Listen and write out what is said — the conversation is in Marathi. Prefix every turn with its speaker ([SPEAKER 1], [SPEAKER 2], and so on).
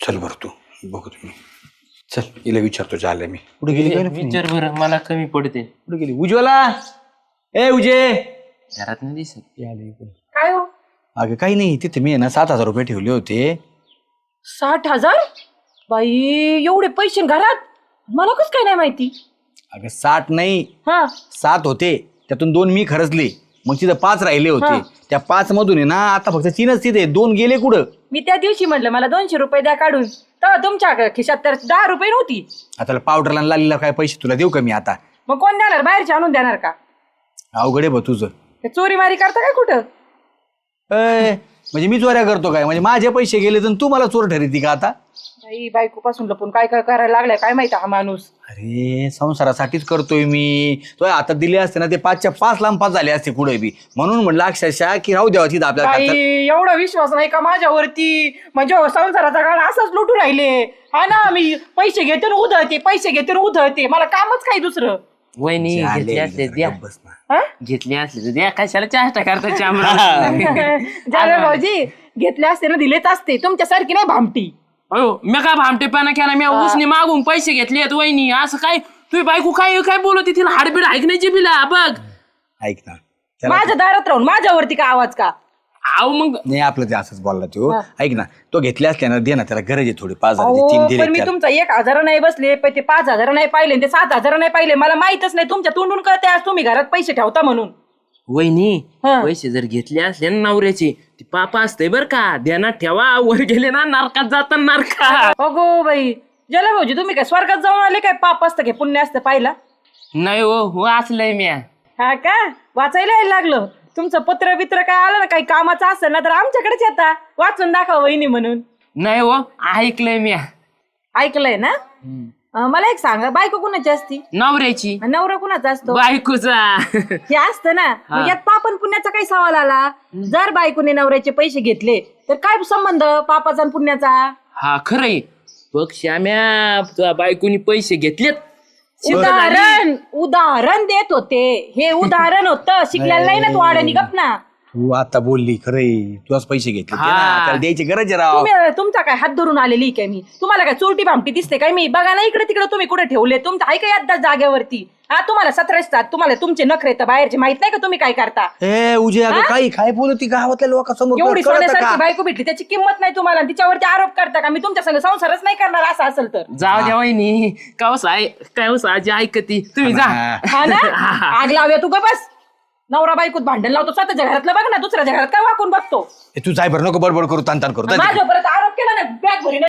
[SPEAKER 1] चल बरं तू बघू तुम्ही चल हिला विचारतो झालं मी कुठे गेली
[SPEAKER 2] विचार बरं मला कमी पडते.
[SPEAKER 1] कुठे गेली उज्ज्वला ए उजे
[SPEAKER 2] घरात नाही दिसत.
[SPEAKER 3] काय हो
[SPEAKER 1] अगं काही नाही तिथे मी आहे ना 7,000 रुपये ठेवले होते
[SPEAKER 3] 60,000 बाई एवढे पैसे घरात मला कस काय नाही माहिती.
[SPEAKER 1] अगं 60 नाही
[SPEAKER 3] हा
[SPEAKER 1] 7 होते त्यातून 2 मी खर्चले मग तिथं 5 राहिले होते त्या 5 मधून आहे ना आता फक्त 3च तिथे 2 गेले कुठं.
[SPEAKER 3] मी त्या दिवशी म्हटलं मला 200 रुपये द्या काढून तर तुमच्या खिशात तर 10 रुपये नव्हती.
[SPEAKER 1] आता पावडरला लालीला काय पैसे तुला देऊ का मी आता.
[SPEAKER 3] मग कोण देणार बाहेरचे आणून देणार का.
[SPEAKER 1] अवघड आहे बा तुझं
[SPEAKER 3] चोरी मारी करता काय कुठं.
[SPEAKER 1] म्हणजे मी चोऱ्या करतो काय म्हणजे माझे पैसे गेले तर तू मला चोर ठरती का आता.
[SPEAKER 3] बाई बायको पासून लपून काय काय करायला लागलाय काय माहिती हा माणूस.
[SPEAKER 1] अरे संसारासाठीच करतोय मी तो आता दिले असते ना ते 5च्या 5 लांब 5 झाले असते कुठे बी म्हणून म्हटलं अक्षरशः की राहू द्यावा तिथं आपल्या
[SPEAKER 3] बाई
[SPEAKER 1] खात्यात.
[SPEAKER 3] एवढा विश्वास नाही का माझ्यावरती म्हणजे संसाराचा काळ असाच लुटू राहिले. हा ना मी पैसे घेते ना उधळते पैसे घेते ना उधळते मला कामच काही दुसरं.
[SPEAKER 2] वहिनी घेतले असले द्या
[SPEAKER 1] बस ना.
[SPEAKER 3] हा?
[SPEAKER 2] घेतले असले तर द्या कशाला चेष्टा करता
[SPEAKER 3] जावे भाऊजी घेतले असते ना दिलेच असते तुमच्यासारखी नाही भामटी.
[SPEAKER 2] अयो मी काय भामटेपणा केला मी उसने मागून पैसे घेतलेत वहिनी असं काय तुझी बायको काय काय बोलत तिला हाडबीड ऐकण्याची बिला बघ.
[SPEAKER 1] ऐक ना त्याला-
[SPEAKER 3] माझ्या दारात राहून माझ्यावरती का आवाज का.
[SPEAKER 2] आव मग
[SPEAKER 1] नाही आपलं ते असंच बोलला तो ऐक ना तो घेतले असले ना दे ना त्याला गरज आहे थोडी 5,000
[SPEAKER 3] अहो,
[SPEAKER 1] 3 दिले
[SPEAKER 3] पण मी तुमचा 1,000 नाही बसले पण ते 5,000 नाही पाहिले ते 7,000 नाही पाहिले मला माहितच नाही तुमच्या तोंडून कळते आज तुम्ही घरात पैसे ठेवता म्हणून.
[SPEAKER 2] वहिनी
[SPEAKER 3] हा.
[SPEAKER 2] पैसे जर घेतले असले ना नवऱ्याचे ती पापा असते बर का ध्यानात ठेवा वर गेले ना नरकात जातात नरकात.
[SPEAKER 3] अगो बाई जला भाऊजी तुम्ही काय स्वर्गात जाऊन आले काय पाप असतं काय पुण्य असतं पाहिला.
[SPEAKER 2] नाही हो वाचलंय मी.
[SPEAKER 3] हा का वाचायला यायला लागलं तुमचं पत्र बित्र काय आलं ना काही कामाचं असेल ना तर आमच्याकडेच येता वाचून दाखवा वहिनी म्हणून.
[SPEAKER 2] नाही हो ऐकलंय मी.
[SPEAKER 3] ऐकलंय ना. मला एक सांगा बायको कुणाची असती
[SPEAKER 2] नवऱ्याची
[SPEAKER 3] नवरा कुणाचा असतो.
[SPEAKER 2] बायकोचा.
[SPEAKER 3] हे असतं ना मग यात पापन पुण्याचा काही सवाल आला. जर बायकोने नवऱ्याचे पैसे घेतले तर काय संबंध पापाचा आणि पुण्याचा.
[SPEAKER 2] हा खरंय बघ श्याम्या तुझ्या बायकोनी पैसे घेतलेत.
[SPEAKER 3] उदाहरण देत होते हे उदाहरण होतं शिकलेलं नाही ना तू आडणी गप ना.
[SPEAKER 1] तू आता बोलली खरंय तुझाच पैसे घेतले ते ना,
[SPEAKER 2] हा.
[SPEAKER 1] त्याला द्यायची गरज आहे राव.
[SPEAKER 3] तुम्ही तुमचा काय हात धरून आलेली काय मी तुम्हाला काय चोरटी भामटी दिसते काय मी बघा ना इकडे तिकडे तुम्ही कुठे ठेवले तुमचं आहे का यात जागेवरती. हा तुम्हाला 17 तुम्हाला तुमचे नखरे तर बाहेरचे माहित नाही का तुम्ही काय करता.
[SPEAKER 1] ए उजे अगं काही काय बोलती गावातल्या लोकांसमोर
[SPEAKER 3] एवढी
[SPEAKER 1] तुला कळतं
[SPEAKER 3] सोन्यासारखी
[SPEAKER 1] का?
[SPEAKER 3] बायको भेटली त्याची किंमत नाही तुम्हाला तिच्यावरती आरोप करता का मी तुमच्या संग संसारच नाही करणार असं असेल तर.
[SPEAKER 2] जाऊ द्या वहिनी कावस आजी ऐकती तुम्ही जा.
[SPEAKER 3] हा ना आग लावूया तू का बस. नवरा बायकोत भांडण लावतो स्वतःच्या घरातलं बघ ना दुसऱ्याच्या घरात काय वाकून बघतो.
[SPEAKER 1] ए, तू जाय बरं नको बडबड करू ताण करू
[SPEAKER 3] माझ्या परत आरोप केला ना बॅग भरीन